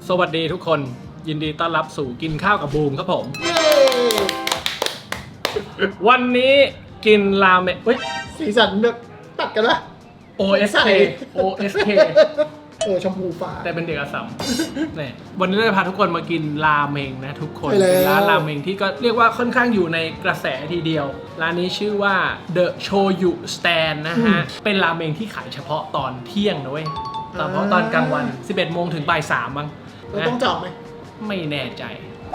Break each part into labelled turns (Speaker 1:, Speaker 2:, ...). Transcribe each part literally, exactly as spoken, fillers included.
Speaker 1: สวัสดีทุกคนยินดีต้อนรับสู่กินข้าวกับบูมครับผมวันนี้กินราเมงเฮ้ย
Speaker 2: สีสันแบบตัดกันละ
Speaker 1: โอ เอส เค โอ เอส เค
Speaker 2: เออชมพูฟ้า
Speaker 1: แต่เป็นเด็กอัสสัมเนี่ยวันนี้เราจะพาทุกคนมากินราเมงนะทุกคนเป็นร้านราเมงที่ก็เรียกว่าค่อนข้างอยู่ในกระแสทีเดียวร้านนี้ชื่อว่า The Shoyu Stand นะฮะเป็นราเมงที่ขายเฉพาะตอนเที่ยงนะเว้ยตอนเพราะตอนกลางวันสิบเอ็ดโมงถึงบ่ายสามมั้ง
Speaker 2: เราต้องจองไหม
Speaker 1: ไม่แน่ใจ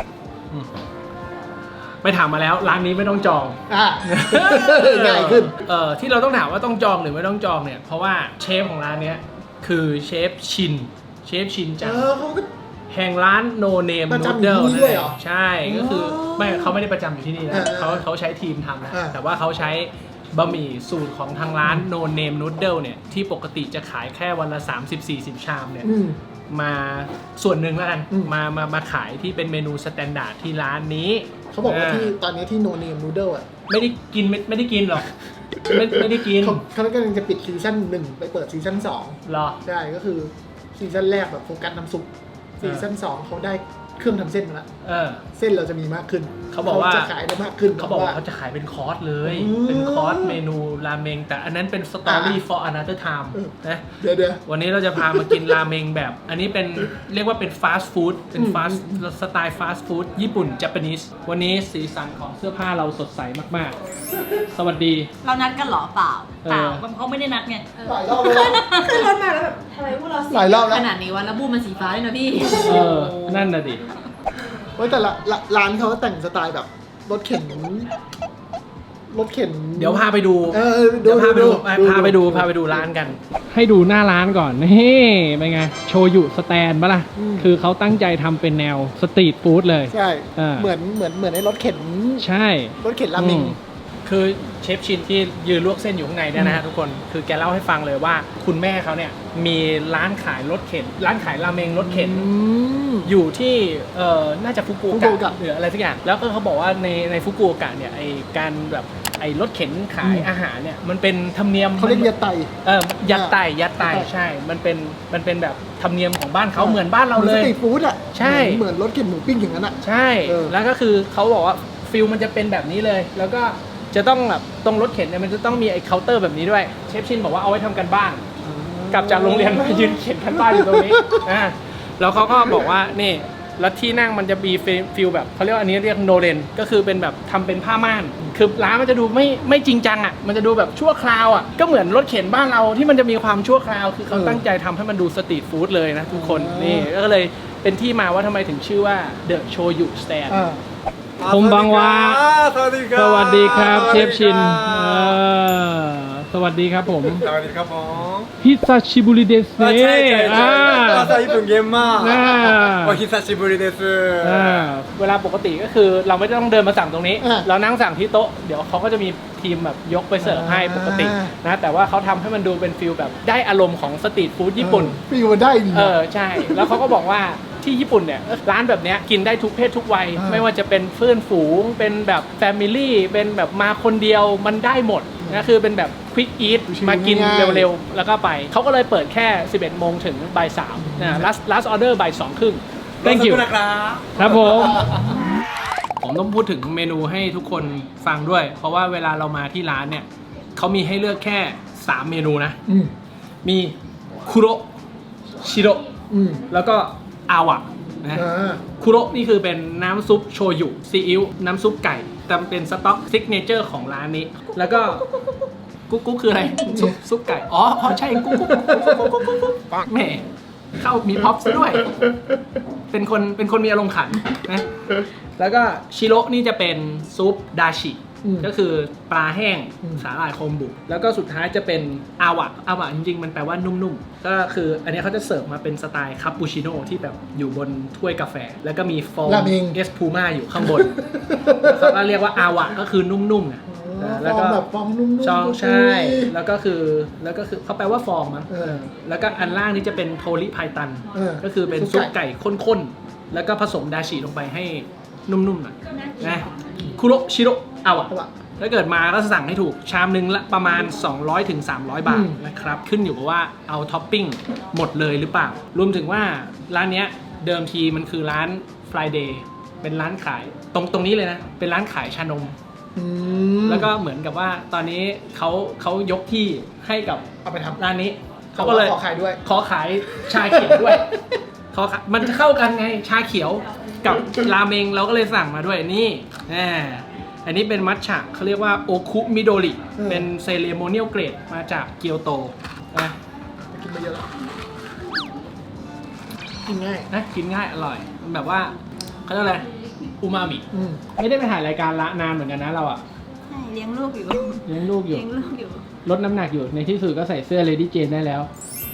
Speaker 1: ไปถามมาแล้วร้านนี้ไม่ต้องจอง
Speaker 2: อ่าง่ายขึ้น
Speaker 1: เอ่อที่เราต้องถามว่าต้องจองหรือไม่ต้องจองเนี่ยเพราะว่าเชฟของร้านเนี้ยคือเชฟชินเชฟชินจากแห่งร้าน No Name Noodle นั่นเองใช่ก็คือไม่เขาไม่ได้ประจำอยู่ที่นี่นะเขาเขาใช้ทีมทำนะแต่ว่าเขาใช้บะหมี่สูตรของทางร้าน No Name Noodle เนี่ยที่ปกติจะขายแค่วันละ สามสิบถึงสี่สิบ ชามเนี่ยมาส่วนหนึ่งแล้วกันมามามาขายที่เป็นเมนูสแตนดาร์ดที่ร้านนี้
Speaker 2: เขาบอกว่าที่ตอนนี้ที่ No Name Noodle อ่ะ
Speaker 1: ไม่ได้กินไม่ไม่ได้กินหรอกไม่ไม่ได้กิน
Speaker 2: เขากำลังจะปิดซีซั่นหนึ่งไปเปิดซีซั่นสอง
Speaker 1: หรอ
Speaker 2: ใช่ก็คือซีซั่นแรกแบบโฟกัสน้ำซุปซีซั่นสองเขาได้เครื่องทำเส้นมาแล้วเส้นเราจะมีมากขึ้น
Speaker 1: เขาบอกว่า
Speaker 2: จะขายได้มากขึ้น
Speaker 1: เขาบอกว่าเขาจะขายเป็นคอร์สเลยเป็นคอร์สเมนูราเมงแต่อันนั้นเป็น story for another time นะ
Speaker 2: เดี๋ยวเดี๋ยว
Speaker 1: วันนี้เราจะพามากินราเมงแบบอันนี้เป็นเรียกว่าเป็นฟาสต์ฟู้ดเป็นฟาสต์สไตล์ฟาสต์ฟู้ดญี่ปุ่นญี่ปุ่นวันนี้สีสันของเสื้อผ้าเราสดใสมากๆสวัสดี
Speaker 3: เรานัดกันหรอเปล่าเปล่าเขาไม่ได้นัดไง
Speaker 2: หลายรอบแล้ว
Speaker 3: ขึ้นรถมาแล้วแบบทำไมพวกเราสีขนาดนี้วะแล้วบูมมันสีฟ้าด้วยนะพี่
Speaker 1: เออนั่นน่ะดิ
Speaker 2: เว้ยแต่ละร้านเขาแต่งสไตล์แบบรถเข็นรถเข็น
Speaker 1: เดี๋ยวพาไปดู
Speaker 2: เออเดี๋ยว
Speaker 1: พาไปดูพาไปดูพาไปดูร้านกันให้ดูหน้าร้านก่อนนี่เป็นไงโชยุสแตนปะล่ะคือเขาตั้งใจทำเป็นแนวสตรีทฟู้ดเลย
Speaker 2: ใช่เหมือนเหมือนเหมือนในรถเข็น
Speaker 1: ใช่
Speaker 2: รถเข็นราเมง
Speaker 1: คือเชฟชินที่ยืนลวกเส้นอยู่ข้างในเนี่ยนะฮะทุกคนคือแกเล่าให้ฟังเลยว่าคุณแม่เขาเนี่ยมีร้านขายรถเข็นร้านขายราเมงรถเข็นอยู่ที่เอ่อน่าจะฟุกุโอกะหรืออะไรสักอย่างแล้วก็เขาบอกว่าในในฟุกุโอกะเนี่ยไอการแบบไอรถเข็นขายอาหารเนี่ยมันเป็นธรรมเนียม
Speaker 2: เขาเรียกยัดไต
Speaker 1: เออยัดไตยัดไตใช่มันเป็นมันเป็นแบบธรรมเนียมของบ้านเขาเหมือนบ้านเราเลย
Speaker 2: สตรีทฟู้ดอ่ะ
Speaker 1: ใช่
Speaker 2: เหมือนรถเข็นหมูปิ้งอย่างนั้นอ่ะ
Speaker 1: ใช่แล้วก็คือเขาบอกว่าฟิลมันจะเป็นแบบนี้เลยแล้วก็จะต้องแบบตรงรถเข็นเนี่ยมันจะต้องมีไอ้เคาน์เตอร์แบบนี้ด้วยเชฟชินบอกว่าเอาไว้ทำกันบ้านกลับจากโรงเรียนมายืนเขียนกันบ้านอยู่ตรงนี้อ่าแล้วเขาก็บอกว่านี่แล้วที่นั่งมันจะมีฟิลแบบเขาเรียกว่าอันนี้เรียกโนเรนก็คือเป็นแบบทำเป็นผ้าม่านคือร้านมันจะดูไม่ไม่จริงจังอ่ะมันจะดูแบบชั่วคราวอ่ะก็เหมือนรถเข็นบ้านเราที่มันจะมีความชั่วคราวคือเขาตั้งใจทำให้มันดูสตรีทฟู้ดเลยนะทุกคนนี่ก็เลยเป็นที่มาว่าทำไมถึงชื่อว่า The Shoyu Standคมบังวาสวัสดีครับสวัสดีครับเชฟชินสวัสดีครับผม
Speaker 4: สวัสดีครับผม
Speaker 1: ฮิซาชิบุริเดสเน่
Speaker 4: ใช่ใช่ใช่ภาษาญี่ปุ่นเก่งมากโอฮิซาชิบุริเดส
Speaker 1: เวลาปกติก็คือเราไม่ต้องเดินมาสั่งตรงนี้เรานั่งสั่งที่โต๊ะเดี๋ยวเขาก็จะมีทีมแบบยกไปเสิร์ฟให้ปกตินะแต่ว่าเขาทำให้มันดูเป็นฟิลแบบได้อารมณ์ของสตรีทฟู้ดญี่ปุ่น
Speaker 2: ฟิลมันได้ดี
Speaker 1: เออใช่แล้วเขาก็บอกว่าที่ญี่ปุ่นเนี่ยร้านแบบนี้กินได้ทุกเพศทุกวัยไม่ว่าจะเป็นเพื่อนฝูงเป็นแบบแฟมิลี่เป็นแบบมาคนเดียวมันได้หมดนะคือเป็นแบบควิกอีทมากินเร็วๆแล้วก็ไปเขาก็เลยเปิดแค่สิบเอ็ดโมงถึงบ่ายสามนะ last last order บ่ายสองครึ่ง thank you นะครับครับผมผมต้องพูดถึงเมนูให้ทุกคนฟังด้วยเพราะว่าเวลาเรามาที่ร้านเนี่ยเขามีให้เลือกแค่สามเมนูนะมีคุโรชิโรแล้วก็อาวะนะคุโรนี่คือเป็นน้ำซุปโชยุซีอิ๊วน้ำซุปไก่แต่เป็นสต๊อกซิกเนเจอร์ของร้านนี้แล้วก็กุ๊กกุ๊กคืออะไรซุปซุปไก่อ๋อใช่กุ๊กกุ๊กกุ๊กกุ๊กกุ๊กแหมเข้ามีพ็อปซะด้วยเป็นคนเป็นคนมีอารมณ์ขันนะแล้วก็ชิโร่นี่จะเป็นซุปดาชิก็คือปลาแห้งสาหร่ายโคมบุแล้วก็สุดท้ายจะเป็นอาวะอาวะจริงๆมันแปลว่านุ่มๆก็คืออันนี้เขาจะเสิร์ฟมาเป็นสไตล์คาปูชิโน่ที่แบบอยู่บนถ้วยกาแฟแล้วก็มีฟองเอสพูม่าอยู่ข้างบนเขาก็เรียกว่าอาวะก็คือนุ่มๆนะ
Speaker 2: แล้วก็แบบฟองนุ่มๆ
Speaker 1: ช่องใช่แล้วก็คือแล้วก็คือเขาแปลว่าฟองมั้งแล้วก็อันล่างนี้จะเป็นโทริไพตันก็คือเป็นซุปไก่ข้นๆแล้วก็ผสมดาชิลงไปให้นุ่มๆหน่อยนะคุโรชิโร่อาวะถ้าเกิดมาก็สั่งให้ถูกชามนึงละประมาณ สองร้อยถึงสามร้อย บาทนะครับขึ้นอยู่กับว่าเอาท็อปปิ้งหมดเลยหรือเปล่ารวมถึงว่าร้านนี้เดิมทีมันคือร้าน Friday เป็นร้านขายตรงตรงนี้เลยนะเป็นร้านขายชานม
Speaker 2: อืม
Speaker 1: แล้วก็เหมือนกับว่าตอนนี้เขาเขายกที่ให้กับ
Speaker 2: เอาไปทำ
Speaker 1: ร้านนี้
Speaker 2: เขา
Speaker 1: เขา
Speaker 2: ก็
Speaker 1: ก็
Speaker 2: เล
Speaker 1: เลย ย
Speaker 2: ขอขายด้วย
Speaker 1: ขอขายชาเขียวด้วย ขอขายมันจะเข้ากันไงชาเขียวกับราเมงเราก็เลยสั่งมาด้วยนี่อ่าอันนี้เป็นมัทฉะเขาเรียกว่าโอคุมิโดริ
Speaker 2: อืม
Speaker 1: เป็นเซเลโมเนียลเกรดมาจากเกียวโตนะ
Speaker 2: กินมาเยอะแล้วกินง่าย
Speaker 1: นะกินง่ายอร่อยมันแบบว่าเขาเรียกอะไรอูมามิ
Speaker 2: อืม
Speaker 1: ไม่ได้ไปถ่ายรายการละนานเหมือนกันนะเราอะ
Speaker 3: ใช่เลี้ยงลูกอยู่
Speaker 1: เลี้ยงลูกอยู่
Speaker 3: เลี้ยงลูกอยู่
Speaker 1: ลดน้ำหนักอยู่ในที่สุดก็ใส่เสื้อ Lady Jane ได้แล้ว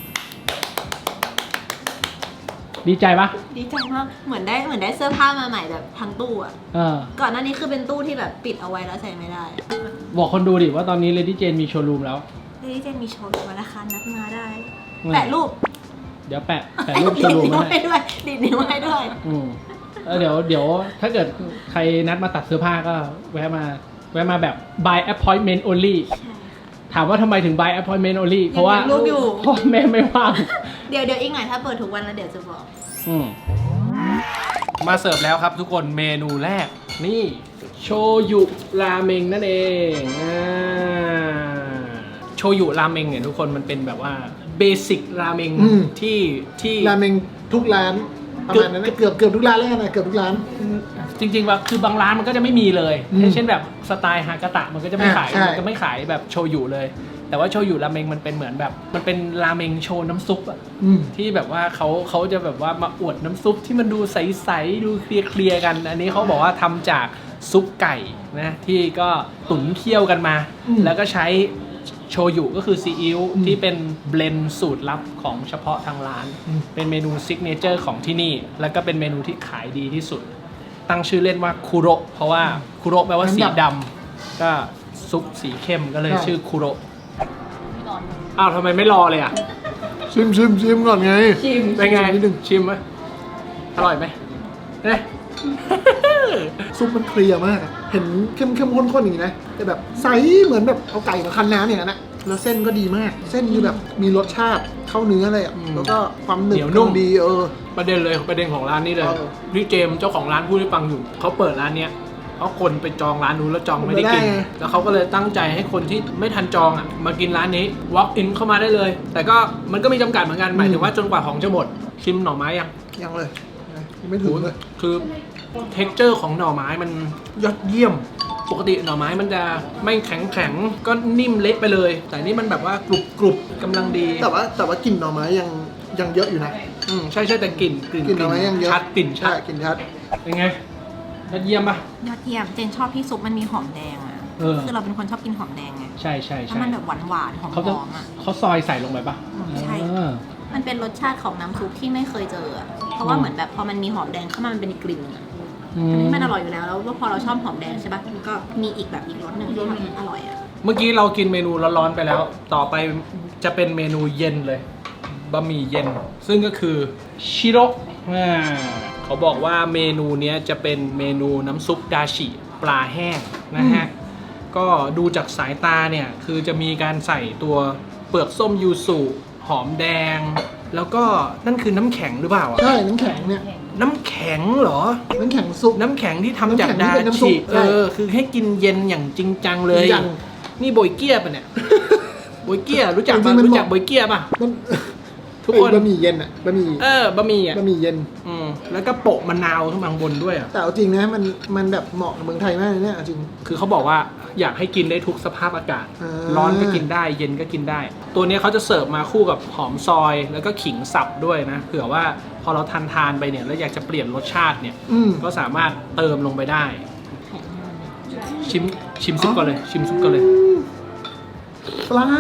Speaker 1: ดีใจปะ
Speaker 3: ดีใจมากเหมือนได้เหมือนได้เสื้อผ้ามาใหม่แบบทั้งตู้อะ
Speaker 1: เออ
Speaker 3: ก่อนหน้านี้คือเป็นตู้ที่แบบปิดเอาไว้แล้วใส่ไม่ได้
Speaker 1: บอกคนดูดิว่าตอนนี้ Lady Jane มีโชว์รูมแล้ว
Speaker 3: เฮ้ยเจนมีโชว์วันละคันนัดมาได้
Speaker 1: อืม
Speaker 3: แปะรูป
Speaker 1: เดี๋ยวแปะแปะรูปโชว์รูม
Speaker 3: ดีดนิ้ว
Speaker 1: มา
Speaker 3: ให้
Speaker 1: ให้
Speaker 3: ด้วยดีดนิ้วให้ด้วย
Speaker 1: อืมแล้วเดี๋ยวเดี๋ยวถ้าเกิดใครนัดมาตัดเสื้อผ้าก็แวะมาแวะมาแบบ by appointment only ถามว่าทำไมถึง by appointment only เพราะว่า
Speaker 3: ยังมีรูปอยู่
Speaker 1: พ่อแม่ไม่ว่าง
Speaker 3: เดี๋ยวเดี๋ยวอีกหน่อยถ้าเปิดทุกวันแล้วเดี๋ยวจะบอก
Speaker 1: อืมมาเสิร์ฟแล้วครับทุกคนเมนูแรก นี่โชยุราเมงนั่นเองอ่าโชยุราเมงเนี่ยทุกคนมันเป็นแบบว่าเบสิกราเมง
Speaker 2: อืม
Speaker 1: ที่ที่
Speaker 2: ราเมงทุกร้านประมาณนั้นนะเกือบเกือบทุกร้านแล้วกันนะเกือบทุกร้าน
Speaker 1: จริงๆว่าคือบางร้านมันก็จะไม่มีเลย
Speaker 2: อืม
Speaker 1: เช่นแบบสไตล์ฮากาตะมันก็จะไม่ขาย
Speaker 2: อ่าใช่
Speaker 1: มันก็ไม่ขายแบบโชยุเลย แต่ว่าโชยุราเมงมันเป็นเหมือนแบบมันเป็นราเมงโชว์น้ำซุปอะ
Speaker 2: อืม
Speaker 1: ที่แบบว่าเขาเขาจะแบบว่ามาอวดน้ำซุปที่มันดูใสๆดูเคลียร์ๆกัน อันนี้เขาบอกว่าทำจากซุปไก่นะที่ก็ตุ๋นเคี่ยวกันมา
Speaker 2: อืม
Speaker 1: แล้วก็ใช้โชยุก็คือซีอิ๊ว
Speaker 2: อืม
Speaker 1: ที่เป็นเบลนด์สูตรลับของเฉพาะทางร้าน
Speaker 2: อืม
Speaker 1: เป็นเมนูซิกเนเจอร์ของที่นี่ แล้วก็เป็นเมนูที่ขายดีที่สุด ตั้งชื่อเล่นว่าคุโระเพราะว่าคุโระแปลว่าสีดำก็ซุปสีเข้มก็เลยชื่อคุโระอ้าวทำไมไม่รอเลยอ่ะ
Speaker 2: ชิมชิมชิมก่อนไง
Speaker 3: ชิม
Speaker 1: เป็นไง
Speaker 2: นิดนึง
Speaker 1: ชิมไหมอร่อยไหมเนี่ย
Speaker 2: ซุปมันเคลียร์มากอะเห็นเข้มเข้มข้นๆอย่างนี้นะแต่แบบใสเหมือนแบบเอาไก่มาคั้นน้ำอย่างนั้นนะแล้วเส้นก็ดีมาก เส้นคือแบบมีรสชาติเข้าเนื้อเลยอ่ะ
Speaker 1: อืม
Speaker 2: แล้วก็ความหนึบ
Speaker 1: เหนียวนุ่ม
Speaker 2: ดีเออ
Speaker 1: ประเด็นเลยประเด็นของร้านนี้เลย
Speaker 2: เออ
Speaker 1: นี่เจมส์เจ้าของร้านพูดให้ฟังอยู่เขาเปิดร้านเนี้ยเพราะคนไปจองร้านนู้นแล้วจองไม่ได้กิน
Speaker 2: ไม่ได้ไง
Speaker 1: แล้วเขาก็เลยตั้งใจให้คนที่ไม่ทันจองอ่ะมากินร้านนี้ walk in เข้ามาได้เลย แต่ก็มันก็มีจำกัดเหมือนกันหมายถึงว่าจนกว่าของจะหมดชิมหน่อไม้ยัง
Speaker 2: ยังเลยยังไม่ถึงเลย
Speaker 1: คือ texture ของหน่อไม้มันยอดเยี่ยม ปกติหน่อไม้มันจะไม่แข็งแข็งๆก็นิ่มเละไปเลย แต่นี่มันแบบว่ากรุบกรุบๆกำลังดี
Speaker 2: แต่ว่าแต่ว่ากลิ่นหน่อไม้ยังยังเยอะอยู่นะ
Speaker 1: อืมใช่ใช่แต่กลิ่นกลิ่น
Speaker 2: กลิ่นหน่อไม้ยังเยอะ
Speaker 1: ชัดกลิ่นชั
Speaker 2: ใช่
Speaker 1: ด
Speaker 2: กลิ่นชัด
Speaker 1: เป็นไงยอดเยี่ยมปะ
Speaker 3: ยอดเยี่ยมเจนชอบที่ซุปมันมีหอมแดงอ่ะ
Speaker 1: เออ
Speaker 3: คือเราเป็นคนชอบกินหอมแดงไง
Speaker 1: ใช่ใช่
Speaker 3: แล้ว
Speaker 1: ใช่
Speaker 3: มันแบบหวานหวานๆหอม
Speaker 1: เขาจะ
Speaker 3: หอมอ่ะ
Speaker 1: เขาซอยใส่ลงไปปะ
Speaker 3: ใช่
Speaker 1: เออ
Speaker 3: มันเป็นรสชาติของน้ำซุปที่ไม่เคยเจออะเพราะว่าเหมือนแบบพอมันมีหอมแดงเข้ามามันเป็นอีกกลิ่นอะ
Speaker 1: อื
Speaker 3: อัน
Speaker 1: ม
Speaker 3: นี้มันอร่อยอยู่แล้วแล้วว่าพอเราชอบหอมแดงใช่ปะมันก็มีอีกแบบอีกรสหนึ่งที่แบบอร่อยอ่ะ
Speaker 1: เมื่อกี้เรากินเมนูร้อนๆไปแล้ว ต่อไปจะเป็นเมนูเย็นเลยบะหมี่เย็น ซึ่งก็คือชิโร่อ่าเขาบอกว่าเมนูเนี้ยจะเป็นเมนูน้ำซุปดาชิปลาแห้งนะฮะ ก็ดูจากสายตาเนี่ย คือจะมีการใส่ตัวเปลือกส้มยูสุหอมแดง แล้วก็นั่นคือน้ำแข็งหรือเปล่าอะ
Speaker 2: ใช่น้ำแข็งเนี่ย
Speaker 1: น้ำแข็งเหรอ
Speaker 2: น้ำแข็งซุป
Speaker 1: น้ำแข็งที่ทำจาก
Speaker 2: น้ำแข็งที่
Speaker 1: ดา
Speaker 2: เป็นน้ำซุ
Speaker 1: ชิ
Speaker 2: ป
Speaker 1: เอ
Speaker 2: ใช่
Speaker 1: อ คือให้กินเย็นอย่างจริงจังเลย
Speaker 2: จริงจัง
Speaker 1: นี่โบยเกียปะเนี่ย โบยเกียรู้จัก
Speaker 2: จริ
Speaker 1: ปะ
Speaker 2: งๆมัน
Speaker 1: รู้จัก
Speaker 2: เหมาะ
Speaker 1: โบยเกียปะ
Speaker 2: มัน
Speaker 1: ทุกคน
Speaker 2: ไอ้บะหมี่เย็นอ่ะบะหมี่
Speaker 1: เออบะหมี่อ่ะ
Speaker 2: บะหมี่เย็น
Speaker 1: อืมแล้วก็โปะมะนาวขึ้นมาข้างบนด้วยอ่ะ
Speaker 2: แต่เอาจริงนะมันมันแบบเหมาะกับเมืองไทยมากเลยเนี่ยเอาจริง
Speaker 1: คือเขาบอกว่าอยากให้กินได้ทุกสภาพอากาศ
Speaker 2: อ่า
Speaker 1: ร้อนก็กินได้ เย็นก็กินได้ ตัวนี้เขาจะเสิร์ฟมาคู่กับหอมซอยแล้วก็ขิงสับด้วยนะ เผื่อว่าพอเราทานทานๆไปเนี่ยแล้วอยากจะเปลี่ยนรสชาติเนี่ย
Speaker 2: อืม
Speaker 1: ก็สามารถเติมลงไปได้ ชิมชิมซุปก่อนเลย ชิมซุปก่อนเลย
Speaker 2: ปลา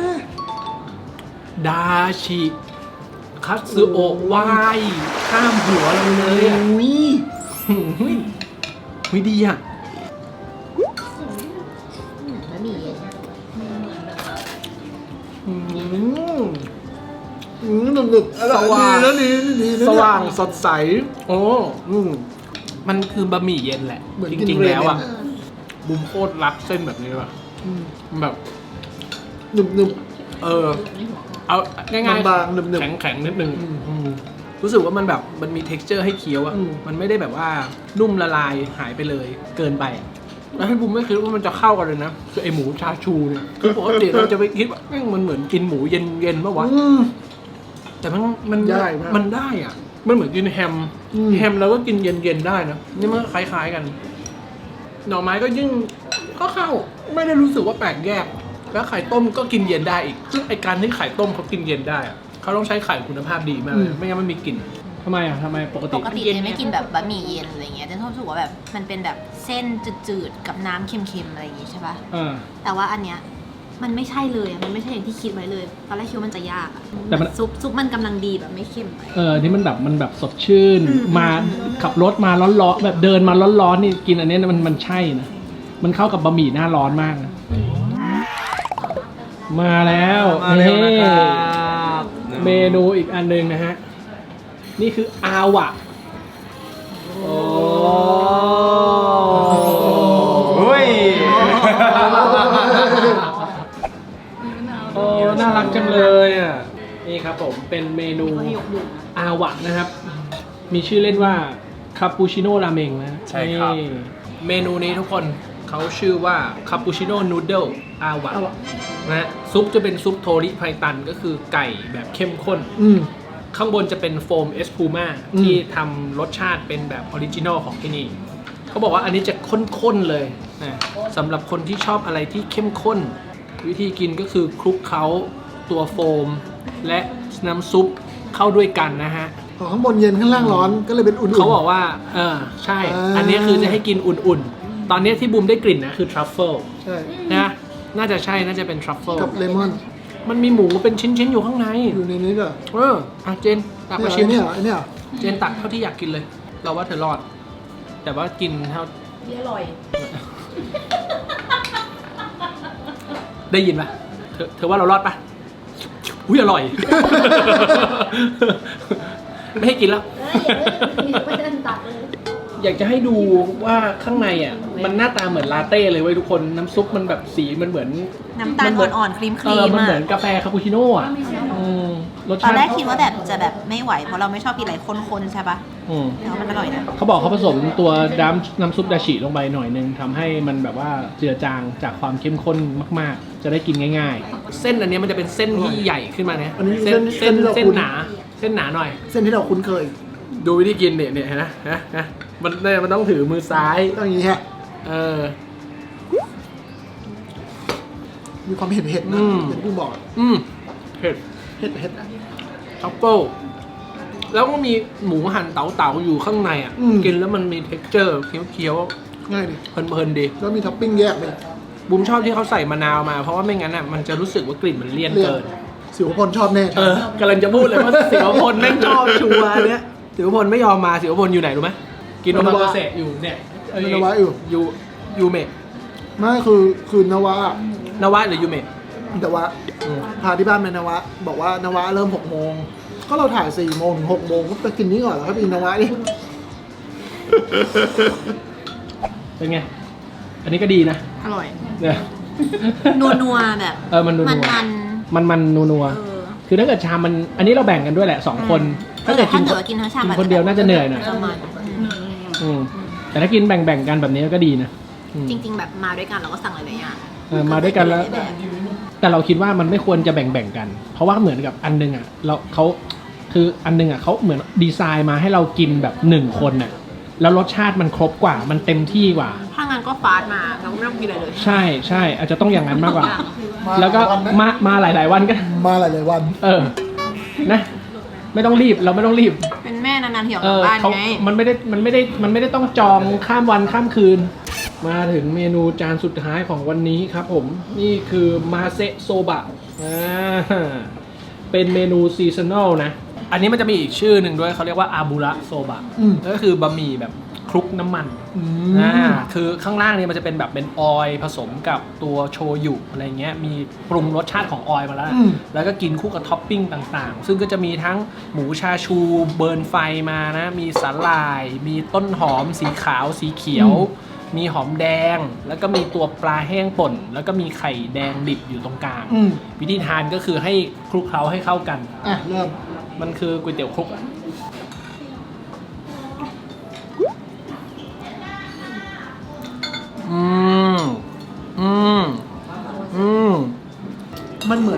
Speaker 1: ดาชิคัตสึโอะวายข้ามหัวเราเลยอ่ะ
Speaker 2: อุ้ย
Speaker 1: หืมหุยหุยดีอ่ะ
Speaker 3: บะหมี่เย็น
Speaker 1: อืม
Speaker 2: อืมหนึบหนึบอร่อย
Speaker 1: สว่าง
Speaker 2: ดีแล้วดีดีนะเนี่ย
Speaker 1: สว่างสดใส โอ้อืมมันคือบะหมี่เย็นแหละ
Speaker 2: เหมือน
Speaker 1: จ
Speaker 2: กิน
Speaker 1: ริง
Speaker 2: เร
Speaker 1: ๆ แล้วอ่ะ
Speaker 2: เมน
Speaker 1: บุมโคตรรักเส้นแบบนี้ว่ะ
Speaker 2: อืม
Speaker 1: แบบ
Speaker 2: หนึบหนึบ
Speaker 1: เออ เอาง่าย
Speaker 2: บางๆหนึบๆ
Speaker 1: แข็งแข็งๆนิดนึง
Speaker 2: อืม
Speaker 1: อืมรู้สึกว่ามันแบบมันมี texture ให้เคี้ยวอะ
Speaker 2: อืม
Speaker 1: มันไม่ได้แบบว่านุ่มละลายหายไปเลยเกินไปอะแล้วให้บุมไม่คิดว่ามันจะเข้ากันเลยนะคือไอหมูชาชูเนี่ยคือปกติเราจะไปคิดว่าแม่งมันเหมือนกินหมูเย็นๆป่ะวะ
Speaker 2: อืม
Speaker 1: แต่มันมัน
Speaker 2: ได้มาก
Speaker 1: มันได้อ่ะ มันเหมือนกินแฮม
Speaker 2: อืม
Speaker 1: แฮมเราก็กินเย็นๆได้นะ นี่มันก็คล้ายๆกัน หน่อไม้ก็ยิ่งก็เข้า ไม่ได้รู้สึกว่าแปลกแยก แล้วไข่ต้มก็กินเย็นได้อีก ซึ่งไอการที่ไข่ต้มเขากินเย็นได้อะเขาต้องใช้ไข่คุณภาพดีมากเลย ไม่งั้นมันมีกลิ่นทำไมอ่ะทำไมปกติ
Speaker 3: ปกติเจนไม่กินแบบบะหมี่เย็นอะไรเงี้ยเจนชอบรู้สึกว่าแบบมันเป็นแบบเส้นจืดๆกับน้ำเค็มๆอะไรอย่างงี้ใช่ปะ
Speaker 1: เออ
Speaker 3: แต่ว่าอันเนี้ยมันไม่ใช่เลยอะมันไม่ใช่อย่างที่คิดไว้เลยตอนแรกคิดว่ามันจะยากอะ
Speaker 1: แต่มัน
Speaker 3: ซุปซุปมันกำลังดีแบบไม่เค็มไป
Speaker 1: เออ นี่มันแบบมันแบบสดชื่น มาขับรถมาร้อนๆแบบเดินมาร้อนๆนี่กินอันนี้มันมันใช่นะ มันเข้ากับบะหมี่หน้าร้อนมากนะ มาแล้ว
Speaker 4: มาเร็วนะครับ
Speaker 1: เมนูอีกอันหนึงนะฮะ นี่คืออาวะโอ้
Speaker 4: โอ้ย
Speaker 1: โอ้น่ารักจังเลยอ่ะ นี่ครับผมเป็นเมนู
Speaker 3: ให้ยกดื่มนะ
Speaker 1: อาวะนะครับ มีชื่อเล่นว่าคาปูชิโน่ราเมงนะ
Speaker 4: ใช่ครับ
Speaker 1: นี่เมนูนี้ทุกคนเขาชื่อว่าคาปูชิโน่นูเดิลอาวะ
Speaker 2: อาวะ
Speaker 1: นะฮะซุปจะเป็นซุปโทริไพตันก็คือไก่แบบเข้มข้น
Speaker 2: อืม
Speaker 1: ข้างบนจะเป็นโฟมเอสพูม่า
Speaker 2: อืม
Speaker 1: ที่ทำรสชาติเป็นแบบออริจินอลของที่นี่ เขาบอกว่าอันนี้จะข้นๆเลยนะสำหรับคนที่ชอบอะไรที่เข้มข้น วิธีกินก็คือคลุกเคล้าตัวโฟม และน้ำซุปเข้าด้วยกันนะฮะ
Speaker 2: ของข้างบนเย็นข้างล่างร้อนก็เลยเป็นอุ่นๆ
Speaker 1: เขาบอกว่า เออ ใช่
Speaker 2: อ่า
Speaker 1: อันนี้คือจะให้กินอุ่นๆ ตอนนี้ที่บูมได้กลิ่นนะคือทรัฟเฟิล
Speaker 2: ใช่
Speaker 1: นะ น่าจะใช่ น่าจะเป็นทรัฟเฟิล
Speaker 2: กับเลมอน
Speaker 1: มันมีหมูเป็นชิ้นๆ อยู่ข้างใน
Speaker 2: อยู่ในนี้ด้วย
Speaker 1: เอออ่ะเจนตักมาชิ
Speaker 2: ไอ้
Speaker 1: ม
Speaker 2: เนี่ยไอ้เนี่ย
Speaker 1: เจนตักเท่าที่อยากกินเลย เราว่าเธอรอด แต่ว่ากินเท่า
Speaker 3: ที่อร่อย
Speaker 1: ได้ยินปะเธอเธอว่าเรารอดปะอุ้ยอร่อย ไม่ให้กินแล้ว อยากจะให้ดูว่าข้างในอ่ะ มันหน้าตาเหมือนลาเต้เลยเว้ยทุกคน น้ำซุปมันแบบสีมันเหมือน
Speaker 3: น้ำตาล
Speaker 1: มัเหมื
Speaker 3: อ่อนๆครีมค
Speaker 1: เอ
Speaker 3: รี
Speaker 1: อ
Speaker 3: ม
Speaker 1: มัน
Speaker 3: อะ
Speaker 1: เหมือนกาแฟคาปูชิโน่อ่ะอืมรส
Speaker 3: ตอ
Speaker 1: ชาน ติ
Speaker 3: แรกคิดว่าแบบจะแบบไม่ไหวเพราะเราไม่ชอบกินอะไรข้นๆใช่ปะ
Speaker 1: อืม
Speaker 3: แต่ว่ามันอร่อยนะ
Speaker 1: เขาบอกเขาผสมตัวน้ำน้ำซุปดาชิลงไปหน่อยนึงทำให้มันแบบว่าเจือจางจากความเข้มข้นมากๆ จะได้กินง่าย ๆ เส้นอันเนี้ยมันจะเป็นเส้นที่ใหญ่ขึ้นมาเนี่ย
Speaker 2: อันนี้
Speaker 1: เส้น
Speaker 2: เส้
Speaker 1: เส้น
Speaker 2: นที่เรา
Speaker 1: เส้น
Speaker 2: คุ้น
Speaker 1: หนา เส้นหนาหน่อย
Speaker 2: เส้นที่เราคุ้นเคย
Speaker 1: ดูวิธีกินเนี่ยเนี่ยเห็นะนะนะมันเนี่ยมันต้องถือมือซ้าย
Speaker 2: ต้องอย่างนี้ฮะ
Speaker 1: เออ
Speaker 2: มีความเผ็ดเผ็ดๆนะ
Speaker 1: อืม
Speaker 2: อย่างที่บอก
Speaker 1: อืมเผ็ด
Speaker 2: เผ็ดเผ็ดๆอะ
Speaker 1: ทัฟเฟิลแล้วก็มีหมูหั่นเต๋าๆอยู่ข้างในอ่ะ
Speaker 2: อืม
Speaker 1: กินแล้วมันมี texture เคี้ยว
Speaker 2: ง่ายดิ
Speaker 1: ๆเพลินๆดี
Speaker 2: แล้วมีท็อปปิ้งแยกเลย
Speaker 1: บุมชอบที่เขาใส่มะนาวมา เพราะว่าไม่งั้นอ่ะมันจะรู้สึกว่ากลิ่นมันเลี่ยน
Speaker 2: เลี่ยน
Speaker 1: เกิน
Speaker 2: สิวพลชอบแน่
Speaker 1: เออกำลังจะพูดเลยว่าสิวพลแม่งชอบชัวร์อันเนี้ยสิวพลไม่ยอมมาสิวพลอยู่ไหนรู้ไหมกินโอมาโกเสะอยู่เนี่ยเอ้ย
Speaker 2: นวะอยู่
Speaker 1: ยูยูเมะ
Speaker 2: ไม่คือคือนวะ
Speaker 1: นวะหรือยูเมะ
Speaker 2: แต่ว่า
Speaker 1: อืม
Speaker 2: พาที่บ้านไปนวะ บอกว่านวะเริ่มหกโมงก็เราถ่ายสี่โมงถึงหกโมงก็ไปกินนี้ก่อนแล้วก็ไปกินนวะดิ
Speaker 1: เป็นไง อันนี้ก็ดีนะ
Speaker 3: อร่อย
Speaker 1: เนี่ย
Speaker 3: นัวๆแบบ
Speaker 1: เออมันนัว
Speaker 3: มัน
Speaker 1: ๆมันมันนัว
Speaker 3: ๆ
Speaker 1: นัว
Speaker 3: เออ
Speaker 1: คือถ้าเกิดชามมันอันนี้เราแบ่งกันด้วยแหละสองคน
Speaker 3: ถ้า
Speaker 1: ถ้า
Speaker 3: เกิ
Speaker 1: เกิ
Speaker 3: ด
Speaker 1: ด
Speaker 3: กิ
Speaker 1: กิ
Speaker 3: น
Speaker 1: น
Speaker 3: กินทั้งชาม
Speaker 1: กินคนเดียวน่าจะเหนื่อยหน่อย
Speaker 3: ประมาณ
Speaker 1: อืมแต่ถ้ากินแบ่งๆกันแบบนี้ก็ดีนะอืม
Speaker 3: จริง ๆ แบบมาด้วยกันเราก็สั่งหลายๆอย่าง
Speaker 1: เออมาด้วยกันแล้ว
Speaker 3: แบบ
Speaker 1: แต่เราคิดว่ามันไม่ควรจะแบ่งๆกัน เพราะว่าเหมือนกับอันนึงอ่ะเราเขาคืออันนึงอ่ะเขาเหมือนดีไซน์มาให้เรากินแบบหนึ่งคนน่ะแล้วรสชาติมันครบกว่ามันเต็มที่กว่า
Speaker 3: ถ้างั้นก็ฟาสต์มาเราก็ไม่ต้องกินอะไรเลย
Speaker 1: ใช่ใช่อาจจะต้องอย่างนั้นมากกว่า
Speaker 2: มา
Speaker 1: แล้วก็
Speaker 2: วันนะ
Speaker 1: มามาหลาย ๆ วันก็
Speaker 2: มาหลายๆวัน
Speaker 1: เออนะ ไม่ต้องรีบเราไม่ต้องรีบ
Speaker 3: เป็นแม่นานๆเที่ยว
Speaker 1: เอก
Speaker 3: ลับ
Speaker 1: อ
Speaker 3: บ้าน
Speaker 1: เขา
Speaker 3: ไง
Speaker 1: มันไม่ได้มันไม่ได้มันไม่ได้ต้องจองข้ามวันข้ามคืน มาถึงเมนูจานสุดท้ายของวันนี้ครับผมนี่คือมาเซะโซบะอ่าเป็นเมนูซีซันอลนะ อันนี้มันจะมีอีกชื่อหนึ่งด้วยเขาเรียกว่าอาบุระโซบะ
Speaker 2: อืม
Speaker 1: ก็คือบะหมี่แบบคลุกน้ำมัน
Speaker 2: อื
Speaker 1: อ่าม คือข้างล่างเนี่ยมันจะเป็นแบบเป็นออยล์ผสมกับตัวโชยุอะไรเงี้ยมีปรุงรสชาติของออยล์มาแล้ว
Speaker 2: อืม
Speaker 1: แล้วก็กินคู่กับท็อปปิ้งต่างๆ ซึ่งก็จะมีทั้งหมูชาชูเบิร์นไฟมานะ มีสาหร่าย มีต้นหอมสีขาวสีเขียว มีหอมแดง แล้วก็มีตัวปลาแห้งป่น แล้วก็มีไข่แดงดิบอยู่ตรงกลาง
Speaker 2: อืม
Speaker 1: วิธีทานก็คือให้คลุกเคล้าให้เข้ากัน
Speaker 2: อ่ะเริ่ม
Speaker 1: มันคือก๋วยเตี๋ยวคลุกอะ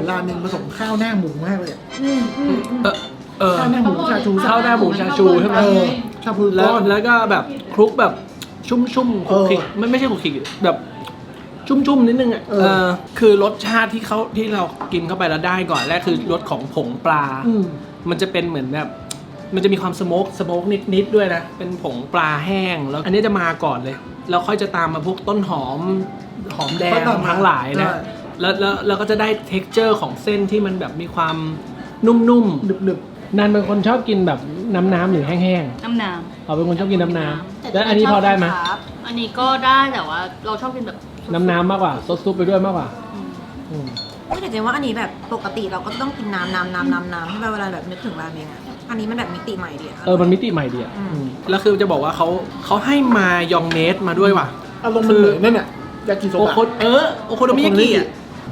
Speaker 2: อนราเมงผสมข้าวหน้าหมูมากเลยอะ
Speaker 3: อืมอืมอืม
Speaker 1: เออเออ
Speaker 2: ข้าวหน้าหมูชาชู
Speaker 1: ข้าวหน้าหมูชาชูใช่ไหม
Speaker 2: เออชาบู
Speaker 1: แล้ว
Speaker 2: ก้อน
Speaker 1: แล้วก็แบบคลุกแบบชุ่มๆคลุกคลิก
Speaker 2: เออ
Speaker 1: ไม่ไม่ใช่คลุกคลิกแบบชุ่มๆนิดนึงอ่ะ
Speaker 2: เออ
Speaker 1: เออคือรสชาติที่เขาที่เรากินเข้าไปแล้วได้ก่อนแรกคือรสของผงปลา
Speaker 2: อืม
Speaker 1: มันจะเป็นเหมือนแบบมันจะมีความสโมกสโมกนิดๆด้วยนะเป็นผงปลาแห้งแล้วอันนี้จะมาก่อนเลยแล้วค่อยจะตามมาพวกต้นหอมหอมแดง
Speaker 2: ค่อยตามมา
Speaker 1: ทั้งหลายนะ
Speaker 2: ใช่
Speaker 1: แล้วแล้วเราก็จะได้ texture ของเส้นที่มันแบบมีความนุ่ม
Speaker 2: หนึบหนึบ
Speaker 1: ๆนันเป็นคนชอบกินแบบน้ำๆหรือแห้ง
Speaker 5: น้ำน้
Speaker 1: ๆเอาเป็นคนชอบกินน้ำ
Speaker 3: แต่
Speaker 1: ๆแล้วอันนี้พอได้ไหม
Speaker 3: ครับ
Speaker 5: ำอันนี้ก็ได้แต่ว่าเราชอบกินแบบ
Speaker 1: น้ำๆมากกว่าซดซุปไปด้วยมากกว่าอืม
Speaker 3: ไม่แต่เจนว่าอันนี้แบบปกติเราก็ต้องกินน้ำน้ำน้ำน้ำน้ำใช่ไหมเวลาแบบนึกถึงราเมงอ่ะอันนี้มันแบบมิติใหม่ดีอะ
Speaker 1: เออมันมิติใหม่ดีอ่ะ
Speaker 3: อืม
Speaker 1: อืมแล้วคือจะบอกว่าเขาเขาให้มายองเนสมาด้วยว่ะ
Speaker 2: อารมณ์มันเหมือนนั่นน่ะยากิโซ
Speaker 1: โอบ
Speaker 2: ะ
Speaker 1: โคเออโอโคโนมิยากิอ่ะ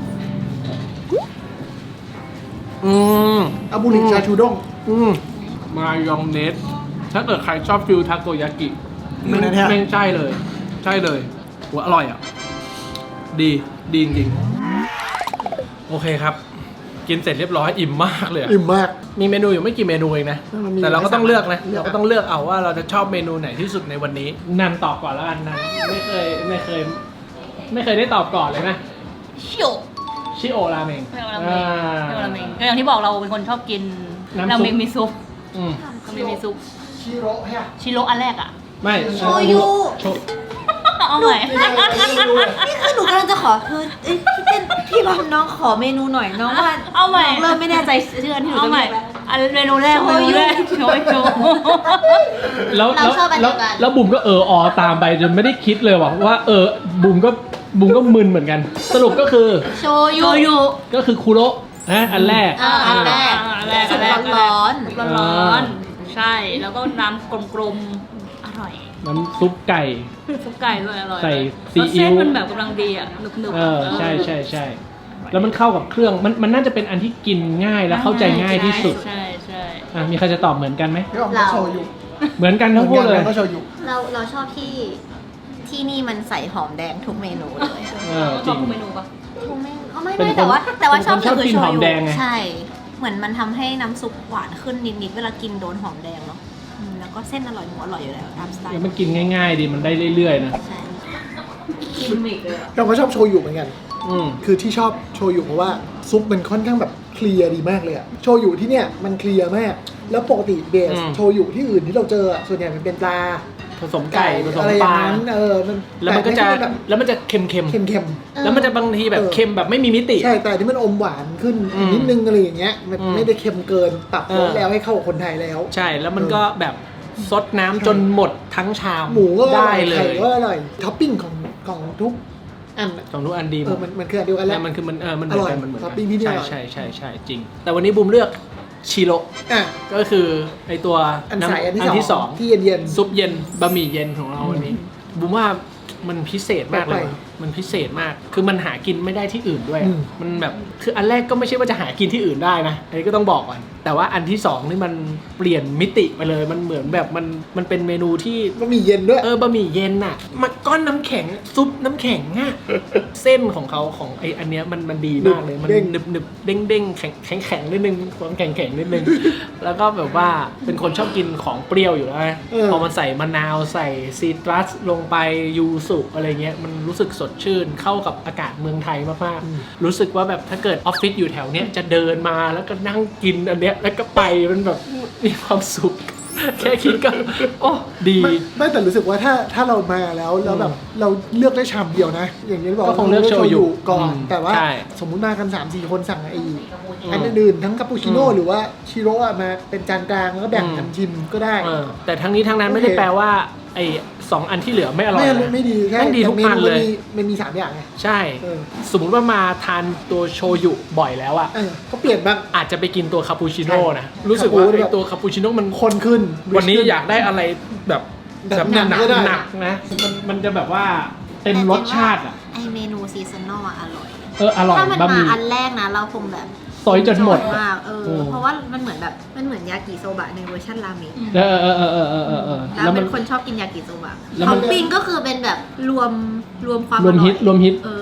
Speaker 1: อืม
Speaker 2: อาบุริชาชูด้ง
Speaker 1: อืมมายองเนสถ้าเกิดใครชอบฟิลทาโกยากิ
Speaker 2: นี่
Speaker 1: แม่ง
Speaker 2: นะเนี่ย
Speaker 1: แม่งใช่เลย ใช่เลยหัวอร่อยอ่ะ ดีดีจริงๆโอเคครับ กินเสร็จเรียบร้อยอิ่มมากเลยอะ
Speaker 2: อิ่มมาก
Speaker 1: มีเมนูอยู่ไม่กี่เมนูเองนะ
Speaker 2: มันมี
Speaker 1: แต่เราก็ต้องเลือกนะ
Speaker 2: เลือก
Speaker 1: เราก็ต้องเลือกเอาว่าเราจะชอบเมนูไหนที่สุดในวันนี้ นันตอบก่อนแล้วกันนันไม่เคยไม่เคย ไม่เคยได้ตอบก่อนเลยนะ
Speaker 5: ชิโอ
Speaker 1: ชิโอราเมง
Speaker 5: ไม่เอาราเม
Speaker 1: อ่
Speaker 5: งไม่เอาราเมงก็อย่างที่บอกเราเป็นคนชอบกิน
Speaker 1: น้ำซุป
Speaker 5: ราเมงมีซุป
Speaker 1: อืม
Speaker 5: ราเมงมีซุป
Speaker 2: ชิโร่ฮะ
Speaker 5: ชิโร่อันแรกอ่ะ
Speaker 1: ไม่
Speaker 3: โชยุ
Speaker 1: โช
Speaker 5: เอาใหม่
Speaker 3: นี่คือหนูกำลังจะขอคือเอ้ยพี่เต้นพี่บอมน้องขอเมนูหน่อยน้องว่า
Speaker 5: เอาใหม่
Speaker 3: น้องเริ่มไม่แน่ใจชื่ออันที่หนู
Speaker 5: เอา
Speaker 3: จะ
Speaker 5: ใหม่
Speaker 3: เรียกแล้ว
Speaker 5: อันเมนูแรก
Speaker 3: โช
Speaker 5: เม
Speaker 3: ยุ
Speaker 5: นูแรกโชยโช
Speaker 1: แล้ว
Speaker 3: เรา
Speaker 1: แล้ว
Speaker 3: ชอบอันเดี
Speaker 1: แล้ว
Speaker 3: ยวกัน
Speaker 1: แล้วบุ๋มก็เอออตามไปจนไม่ได้คิดเลยว่ะว่าเออบุ๋มก็บุ๋มก็มึนเหมือนกัน สรุปก็คือ
Speaker 3: โช
Speaker 5: โช
Speaker 3: ยุ
Speaker 5: ยุ
Speaker 1: ก็คือคูโระนะอันแรก
Speaker 3: อ่าอันแรก
Speaker 5: อันแรก
Speaker 3: สุ
Speaker 5: อั
Speaker 3: ก
Speaker 5: นแรก
Speaker 3: ร้อน
Speaker 5: ร้อนร้อนๆใช่แล้วก็น้ำกลมๆอร่อย
Speaker 1: น้ำซุปไก่
Speaker 5: ซุปไก่ด้วยอร่อย
Speaker 1: ใส่
Speaker 5: เลย
Speaker 1: ซีอิ๊ว
Speaker 5: รสเส้นมันแบบกำลังดีอ่ะหนึบๆ
Speaker 1: เออใช่ใช่ใช่แล้วมันเข้ากับเครื่องมันมันน่าจะเป็นอันที่กินง่ายและเข้าใจง่ายที่สุด
Speaker 5: ใช่ใช่
Speaker 1: อ่ะมีใครจะตอบเหมือนกันไหม
Speaker 2: พี่ออมก็โชยุ
Speaker 1: เหมือนกันทั้งคู่เลย
Speaker 2: หมือนกันก็โชยุ
Speaker 3: เราเราชอบที่ที่นี่มันใส่หอมแดงทุกเมนูเลย
Speaker 1: เออจ
Speaker 5: ช
Speaker 1: ริ
Speaker 5: อบ
Speaker 1: ง
Speaker 5: ทุกเมนูปะ
Speaker 3: ทุกเมนูอ๋อไม่
Speaker 1: เป็น
Speaker 3: ไม่
Speaker 1: คน
Speaker 3: แต่ว่าแต่ว่าชอบ
Speaker 1: เป็นคนชอบ
Speaker 3: คือ
Speaker 1: กิน
Speaker 3: โช
Speaker 1: หอม
Speaker 3: ยุ
Speaker 1: แดงไง
Speaker 3: ใช่ เหมือนมันทำให้น้ำซุปหวานขึ้นนิดๆเวลากินโดนหอมแดงเนาะอืมแล้วก็เส้นอร่อยหมูอร่อยอยู่แล้วตามสไตล์
Speaker 1: แล้วมันกินง่ายๆดีมันได้เรื่อยๆนะ
Speaker 3: ใช่
Speaker 5: กินมิกเลยอะ
Speaker 2: เราก็ชอบโชยุเหมือนกัน
Speaker 1: อืม
Speaker 2: คือที่ชอบโชยุเพราะว่าซุปมันค่อนข้างแบบเคลียร์ดีมากเลยอะโชยุที่เนี่ยมันเคลียร์มาก แล้วปกติเบส
Speaker 1: อืม
Speaker 2: โชยุที่อื่นที่เราเจออะส่วนใหญ่มันเป็นปลา
Speaker 1: ผสมไก่ผสม
Speaker 2: อะไรอ
Speaker 1: ป
Speaker 2: ย่าง
Speaker 1: ลา
Speaker 2: นั้นเออมัน
Speaker 1: แล้วมันก็จะ
Speaker 2: ต่ที่แบบ
Speaker 1: แล้วมันจะเค็มๆ
Speaker 2: เค็ม
Speaker 1: แล้วมันจะบางทีแบบ
Speaker 2: เออ
Speaker 1: เค็มแบบไม่มีมิติ
Speaker 2: ๆใช่แต่ที่มันอมหวานขึ้น
Speaker 1: อืม
Speaker 2: นิดนึงอะไรอย่างเงี้ยมัน
Speaker 1: อืม
Speaker 2: ไม่ได้เค็มเกินปรับ
Speaker 1: เอ
Speaker 2: ร
Speaker 1: อ
Speaker 2: สแล้วให้เข้ากับคนไทยแล้ว
Speaker 1: ใช่แล้วมันก็แบบซดน้ำจนหมดทั้งชาม
Speaker 2: หมูก็อร่
Speaker 1: ได้
Speaker 2: อย
Speaker 1: เล
Speaker 2: ไข่
Speaker 1: ย
Speaker 2: ก็อร่อยท็อปปิ้งของของทุกอันอะ
Speaker 1: ของทุกอันดีห
Speaker 2: เอ
Speaker 1: ม
Speaker 2: อ
Speaker 1: ด
Speaker 2: มันมันคืออันเดียวกันแห
Speaker 1: แต่
Speaker 2: ล้ว
Speaker 1: มันคือมันเออมันเหมือนกัน
Speaker 2: อร่อย
Speaker 1: มันเหมือน
Speaker 2: ท็
Speaker 1: กั
Speaker 2: อปปิ้งที่นี่
Speaker 1: ใช่
Speaker 2: อร่อย
Speaker 1: ใช่ใช่ใช่จริง แต่วันนี้บูมเลือกชิโร่
Speaker 2: อ่ะ
Speaker 1: ก็คือไอตัว
Speaker 2: อัน
Speaker 1: ำ
Speaker 2: ใสอันที่
Speaker 1: อันที่
Speaker 2: ส
Speaker 1: ส
Speaker 2: อ
Speaker 1: อง ง
Speaker 2: ที่เย็นๆ
Speaker 1: ซุปเย็นบะหมี่เย็นของเราวันนี้บูมว่ามันพิเศษมากเลย
Speaker 2: แปลก
Speaker 1: ว่ะมันพิเศษมาก คือมันหากินไม่ได้ที่อื่นด้วย
Speaker 2: อืม
Speaker 1: มันแบบคืออันแรกก็ไม่ใช่ว่าจะหากินที่อื่นได้นะอันนี้ก็ต้องบอกก่อนแต่ว่าอันที่สองนี่มันเปลี่ยนมิติไปเลยมันเหมือนแบบมันมันเป็นเมนูที่
Speaker 2: ก็มีเย็นด้วย
Speaker 1: เออบะหมี่เย็นน่ะมาก้อนน้ำแข็งซุปน้ำแข็งอ่ะ เส้นของเขาของไออันเนี้ยมันมันดีมากเลยมัน
Speaker 2: เด้ง
Speaker 1: หนึบหนึบเด้งเด้งแข็งแข็งแข็งนิดนึงความแข็งแข็งนิดนึง แล้วก็แบบว่าเป็นคนชอบกินของเปรี้ยวอยู่แล้วไง
Speaker 2: เออ
Speaker 1: พอมันใส่มะนาวใส่ซีตรัสลงไปยูสุอะไรเงี้ยมันรู้สึกสดชื่นเข้ากับอากาศเมืองไทยมากๆรู้สึกว่าแบบถ้าเกิดออฟฟิศอยู่แถวเนี้ยจะเดินมาแล้วก็นั่งกินอันเนี้ยแล้วก็ไปมันแบบมีความสุข แค่คิดก็โอ้ดี
Speaker 2: ไม่ไม่แต่รู้สึกว่าถ้าถ้าเรามาแล้วแล้วแบบเราเลือกได้ชามเดียวนะ อย่างนี้บอก
Speaker 1: ก็คงเลือกโชยุ
Speaker 2: ก่อน
Speaker 1: อืม
Speaker 2: แต่ว่า
Speaker 1: ใช่
Speaker 2: สมมุติมากัน สามสี่ คนสั่งไอ้
Speaker 1: อืม
Speaker 2: อันอื่นๆทั้งคาปูชิโน่
Speaker 1: อืม
Speaker 2: หรือว่าชิโร่อะมาเป็นจานกลางแล้วก็แบ่งกันชิมก็ได้
Speaker 1: เออแต่ทั้งนี้ทั้งนั้น
Speaker 2: โอเค
Speaker 1: ไม่ได้แปลว่าไอ้สองอันที่เหลือไม่อร่อย
Speaker 2: ไม่
Speaker 1: นะ
Speaker 2: ไม่ดีแค่
Speaker 1: แม่งดีทุกอันเลย
Speaker 2: แต่มมันมีสามอย่างไง
Speaker 1: ใช่
Speaker 2: เออ
Speaker 1: สมมุติว่ามาทานตัวโชยุบ่อยแล้วอะ
Speaker 2: เออก็เปลี่ยนบ้าง
Speaker 1: อาจจะไปกินตัวคาปูชิโน่นะ
Speaker 2: ใช่
Speaker 1: รู้สึกว่า
Speaker 2: คาปู
Speaker 1: ไอ้
Speaker 2: แบบ
Speaker 1: ตัวคาปูชิโน่มัน
Speaker 2: คนขึ้น
Speaker 1: วันนี้อยากได้อะไรแบบ
Speaker 2: แบบ
Speaker 1: หนัก
Speaker 2: หนักก็ได้
Speaker 1: หนักนะมันมันจะแบบว่าเต็มรสชาติอะ
Speaker 3: ไอเมนูซีซันนอลอะอร่อย
Speaker 1: เอออร่อย
Speaker 3: ถ้ามัน
Speaker 1: บะห
Speaker 3: มา
Speaker 1: มี่
Speaker 3: อันแรกนะเราคงแบบ
Speaker 1: ซอยจนหมด
Speaker 3: มากเออ
Speaker 1: อืม
Speaker 3: เพราะว่ามันเหมือนแบบมันเหมือนยากิโซบะในเวอร์ชันราเมง
Speaker 1: เออเออเออเออเออเออเออ
Speaker 3: แล้
Speaker 1: แล้ว วมั
Speaker 3: เป็น นคนชอบกินยากิโซบะ
Speaker 1: แล้ว
Speaker 3: ท็
Speaker 1: มั
Speaker 3: อน ปปิ้งก็คือเป็นแบบรวมรวมความ
Speaker 1: รวมฮิต
Speaker 3: ออย
Speaker 1: รวมฮิต
Speaker 3: เออ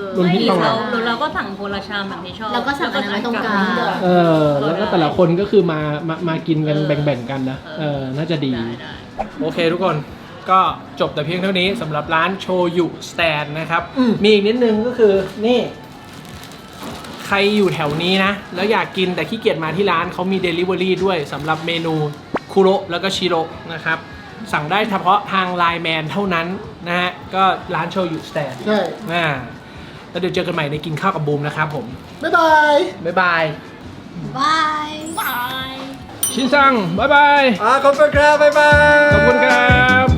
Speaker 1: รุ่นพี่ต้อง
Speaker 5: เรา
Speaker 1: เรา
Speaker 5: เราก็สั่งคนละชามแบบที่ชอบ
Speaker 3: แล้วก็สั่งอันนั้นไว้ตรงกลาง
Speaker 1: เออแล้วก็แต่ละคนก็คือมามามากินกันแบ่งๆกันนะเออน่าจะดี
Speaker 5: ได้ได้
Speaker 1: โอเคทุกคนก็จบแต่เพียงเท่านี้สำหรับร้านโชยุสแตนนะครับ
Speaker 2: อืม
Speaker 1: มีอีกนิดนึงก็คือนี่ใครอยู่แถวนี้นะ แล้วอยากกินแต่ขี้เกียจมาที่ร้านเขามี Delivery ด้วยสำหรับเมนูคุโระแล้วก็ชิโระนะครับ สั่งได้เฉพาะทางไลน์แมนเท่านั้นนะฮะ ก็ร้านโชยุสแตน
Speaker 2: ใช่
Speaker 1: อ่าแล้วเดี๋ยวเจอกันใหม่ในกินข้าวกับบูมนะครับผม
Speaker 2: บ๊ายบาย
Speaker 1: บ๊ายบาย
Speaker 3: บาย
Speaker 5: บาย
Speaker 1: ชินซังบ๊ายบาย
Speaker 4: あー、こんばんは、バイバイ。
Speaker 1: ขอบคุณครับ